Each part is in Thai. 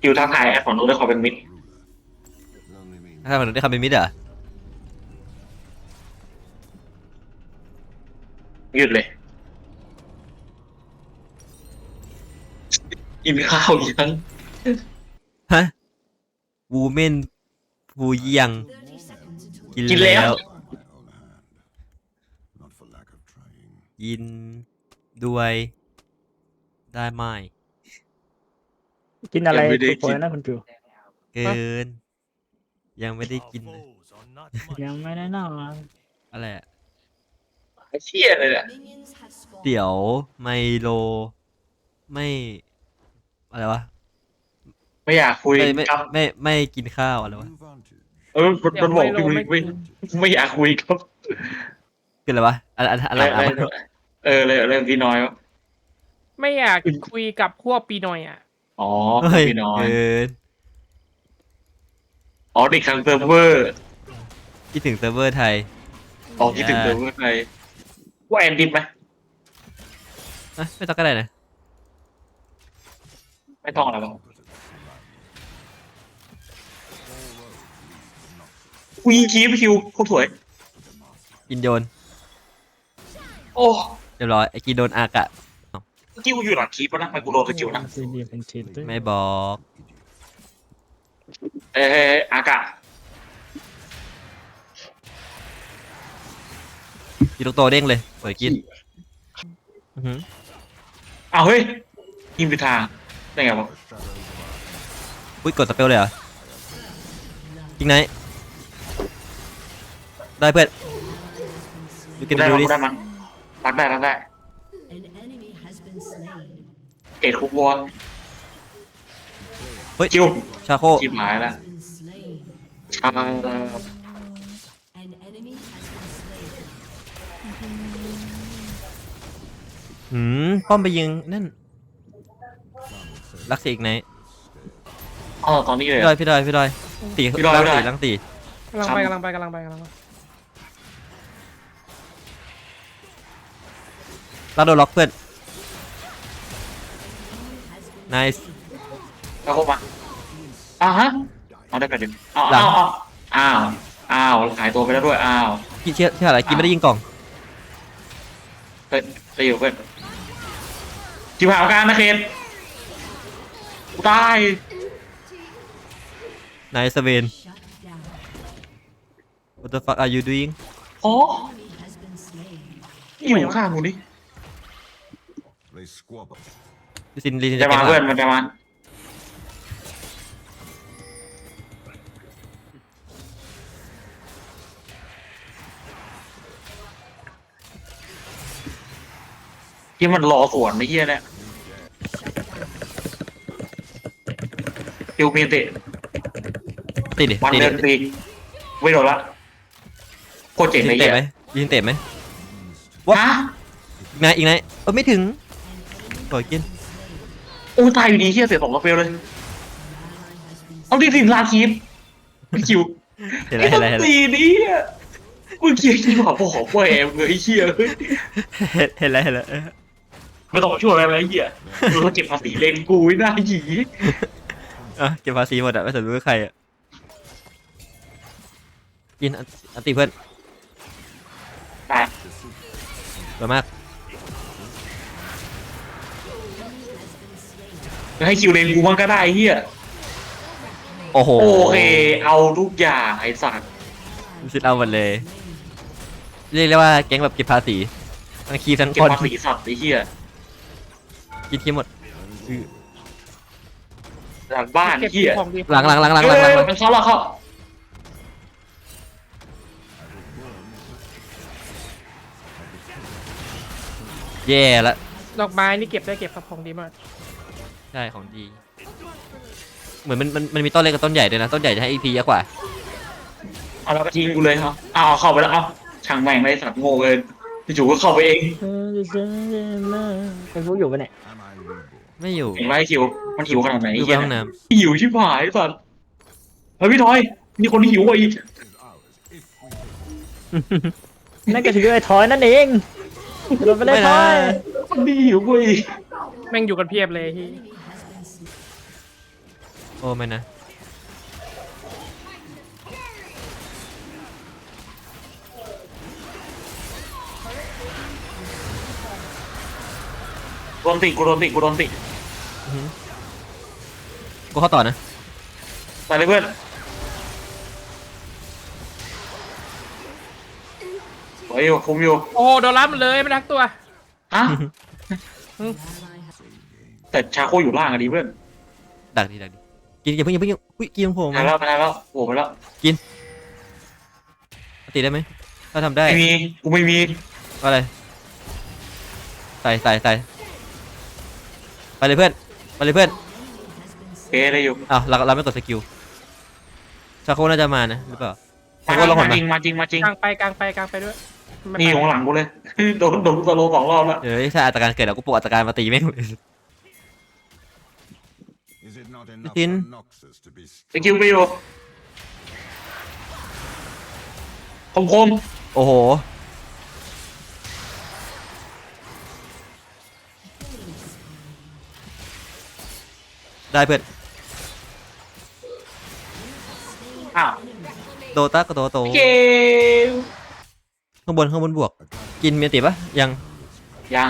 คิวทักทายแอดของนู้นด้วยขอเป็นมิดถ้ามันได้คำเป็นมิดเหรอหยุดเลยกินข้าวยังฮะวูเมนวูยังกินกินแล้วกินด้วยได้ไหมกินอะไรยังไม่ได้ทุกคกินนนะคุณจูเกิน ยังไม่ได้กินเลยยังไม่ได้นอนอะไรอะเชี่ยเลยแหละเดี๋ยวไมโลไม่อะไรวะไม่อยากคุยไม่ไม่ครับไม่กินข้าวอะไรวะมันบอกพี่ไม่อยากคุยครับคืออะไรวะอันหลังเรื่องพี่น้อยวะไม่อยากคุยกับพวกปีหน่อยอ่ะอ๋อเฮ้ยพี่น้อยเกินอ๋อเด็กทางเซิร์ฟเวอร์คิดถึงเซิร์ฟเวอร์ไทยอ๋อคิดถึงเซิร์ฟเวอร์ไทยว่าแอนดินไหมอ่ะไม่ต้องก็ได้นะไม่ต้องอะไรหรอกกูยิงคีบคิวโคตรสวยกินโยนโอ้เรียบร้อยไอ้กินโดนอากะเมื่อกี้กูอยู่หลังคีบแล้วนะไม่กูโดนสกิลนะซีดีเป็นชีตด้วยไม่บอกอากาศกินลูกโตเด้งเลยสวยกินอื้อหืออ้าวเฮ้ยยิงไปทางได้ไงวะอุ้ยกดสเปลเลยเหรอจริงไหนได้เพื่อนดูกินได้ดูมั้ดิยได้มั้ยรักได้เอ็ดคุกวัวเฮ้ยคิวชาโคชิบหายแล้วชาป้อมไปยิงนั่นรักเสียอีกไหนอ๋อตอนนี้เลยพี่ดอยตีพี่ดอยลังตีกำลังไปกำลังไปกำลังไปกำลังไปเราโดนล็อกเพื่อน nice แล้วเข้ามาฮะเอาได้ไปดิอ้าวหลังอ้าวหายตัวไปแล้วด้วยอ้าวพี่เชื่ออะไรกินไม่ได้ยิงกล่องเฮ้ยไปอยู่เพื่อนชิบหายการนะเคนกูตาย nice เวน what the fuck are you doing อ๋ออยู่ข้างกูนี่ลิซินจะมาเพื่อนมันจะมาที่มันรอสวนไอ้เหี้ยเนี่ยคิวมีเตะตีดิวันตีเดิดินตีไม่โดนละโคตรเจ๋งยิเลงยเตะเหี้ยไหมยิงเตะไหมฮะอีกไหนไม่ถึงปล่อยกินโอ้ตายอยู่ดีเหี้ยเสียสองกาเฟลเลยเอาดิถึงลาคีฟพี่คิวเห็นอะไรตีนี้มึงเคียร์ที่บอกบอกว่าแอมเลยไอ้เหี้ยเห็นอะไรไม่ต้องมาช่วยอะไรไอ้เหี้ยมึงเก็บภาษีเลนกูไว้หน้าหยีอ่ะเก็บภาษีหมดอะไม่สนรู้ใครอะกินอันติเพื่อนตายสวยมากให้คิวเลนกูมันก็ได้ไอ้เหี้ยโอ้โหโอเคเอาทุกอย่างไอ้สัตว์ซิดเอาหมดเลย เรียกได้ว่าแก๊งแบบเก็บภาษีทั้งคีบทั้งเก็บคนภาษีสัตว์ไอ้เหี้ยกินคีบหมดหลังบ้านเก็บเหี้ยของดีหลังมันเข้าแล้วเข้าแย่ละดอกไม้นี่เก็บได้เก็บครับของดีมากใช่ของดี เหมือนมันมีต้นเล็กกับต้นใหญ่ด้วยนะ ต้นใหญ่จะให้ EP เยอะกว่าเอาแล้วก็ทิ้งกูเลยครับเอาเข้าไปแล้วเอาช่างแม่งไอ้สัตว์โง่เลยพี่จูก็เข้าไปเองเป็นพวกอยู่ปะเนี่ยไม่อยู่เห็นไหมคิวมันหิวขนาดไหนอยู่เหี้ไปยห้องน้หิวชิบหายสัตว์เฮ้ยพี่ทอยมีคนหิวกว่าอีกนั่นก็ถือไอ้ทอยนั่นเองโดนไปำได้ไม่ทนะอยคนดีหิวกว่าอีกแม่งอยู่กันเพียบเลยที่โอ้ไม่นะโดนติกูโดนติกูโดนติกูเข้าต่อนะไปเลยเพื่อนไว้อยู่คุมอยู่โอ้โหโดนรับมันเลยไม่ทักตัวฮะแต่ชาโคอยู่ล่างอะดีเพื่อนดักดิกินอย่าเพิ่งอุ้ยกินโผล่มามาแล้วมาแล้วโผล่มาแล้วตีได้ไหมถ้าทำได้ไม่มีกูไม่มีอะไรใส่ไปเลยเพื่อนเกได้อยู่อ้าวเราไม่กดสกิลชาโคน่าจะมานะหรือเปล่าชาโคลองหมาดจมาริงมาจริงมาจริงกลางไปด้วยไม่ไปนี่ของหลังกูเลย โดนสโลว์2 รอบแล้วเดี๋ยวถ้าอัตราการเกิดเราก็ปลุกอัตราการมาตีแม่งเลย Is it not enough Tin. for Noxus to be สกิลไปอยู่คมโอ้โหได้เพื่อนอ้าวโดตาก็โตเกมข้างบนบวก กินเมียติปะยังยัง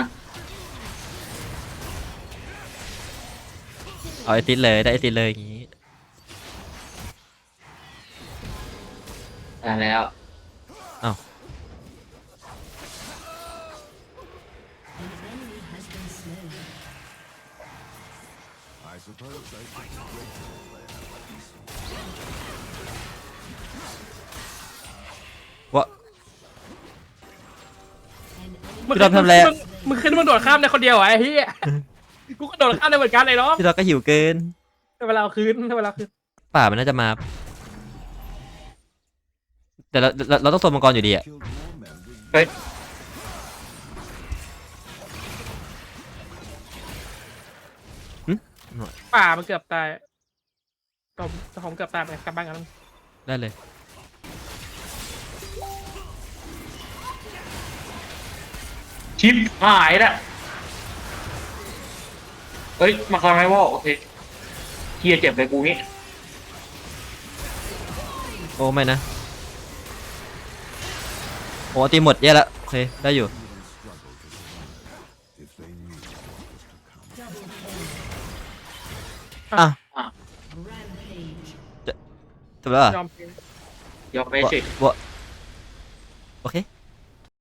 เอาไอติดเลยได้ไอติดเลยอย่างงี้ได้แล้วอ้าว I suppose I should be grateful they have a decent วะมึงพี่รอบทำอะไรอะมึงขึ้นมึงโดดข้ามได้คนเดียวเหรอไอ้เหี้ยกูก็โดดข้ามได้เหมือนกันเลยเนาะพี่เราก็หิวเกินเวลาเอาคืนป่ามันน่าจะมา แต่เราต้องโซนมังกรอยู่ดีอะ killed more men with เฮ้ยป่ามันเกือบตายผมเกือบตายไปกลับบ้านกันได้เลยชิปหายละเฮ้ยมาคาร์ไมวอลโอเคเฮียเจ็บเลยกูงี้โอ้ไม่นะโอ้ตีหมดแย่ละโอเคได้อยู่ if they knew what was to come. อ่ะอ่ะจบแล้วเหรอยอมยอมไปสิวะโอเค